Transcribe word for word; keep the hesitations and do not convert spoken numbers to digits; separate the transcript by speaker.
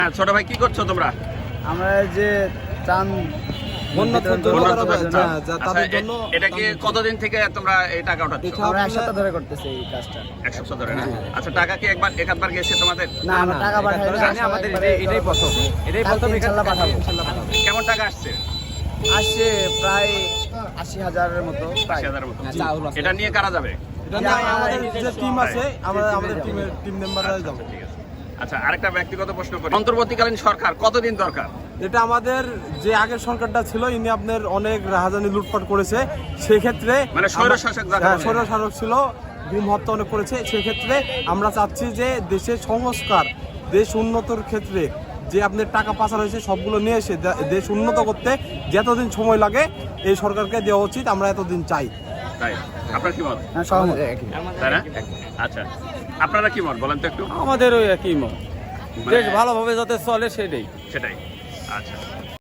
Speaker 1: ছোট ভাই কি করছো তোমরা?
Speaker 2: আমরা যে ত্রাণ
Speaker 1: এটা কি কতদিন থেকে তোমরা এই টাকা উঠাচ্ছ?
Speaker 2: আমরা এক সপ্তাহ ধরে করতেছি এই কাজটা।
Speaker 1: এক সপ্তাহ ধরে না? আচ্ছা, টাকা কি একবার একবার গেছে তোমাদের?
Speaker 2: না, আমরা টাকা পাঠাই না, আমাদের এটাই প্রথম এটাই প্রথম ইনশাআল্লাহ পাঠাবো।
Speaker 1: কেমন টাকা আসছে?
Speaker 2: আসছে প্রায় আশি হাজারের মতো।
Speaker 1: আশি হাজারের মতো। এটা নিয়ে কারা যাবে?
Speaker 3: আমাদের যে টিম আছে, আমরা আমাদের টিমের টিম মেম্বাররা যাব।
Speaker 1: ঠিক আছে। আচ্ছা, আরেকটা ব্যক্তিগত প্রশ্ন করি, অন্তর্বর্তীকালীন সরকার কতদিন দরকার?
Speaker 3: এটা আমাদের যে আগের সরকারটা ছিল, ইনি আপনার অনেক রাহাজানি লুটপাট করেছে, সেক্ষেত্রে
Speaker 1: মানে স্বৈরশাসক যাকে বলে।
Speaker 3: স্বৈরশাসক ছিল, গুম হত্যা অনেক করেছে। সেক্ষেত্রে আমরা চাচ্ছি যে দেশের সংস্কার, দেশ উন্নতর ক্ষেত্রে যে আপনার টাকা পাচার হয়েছে সবগুলো নিয়ে এসে দেশ উন্নত করতে যতদিন সময় লাগে এই সরকারকে দেওয়া উচিত, আমরা এতদিন চাই।
Speaker 1: তাই আপনার কি মত?
Speaker 2: হ্যাঁ, সহমত।
Speaker 1: তাই না? আচ্ছা, আপনারা কি মত বলেন তো একটু?
Speaker 4: আমাদের ওই একই মত, দেশ ভালোভাবে যাতে চলে সেটাই
Speaker 1: সেটাই। আচ্ছা।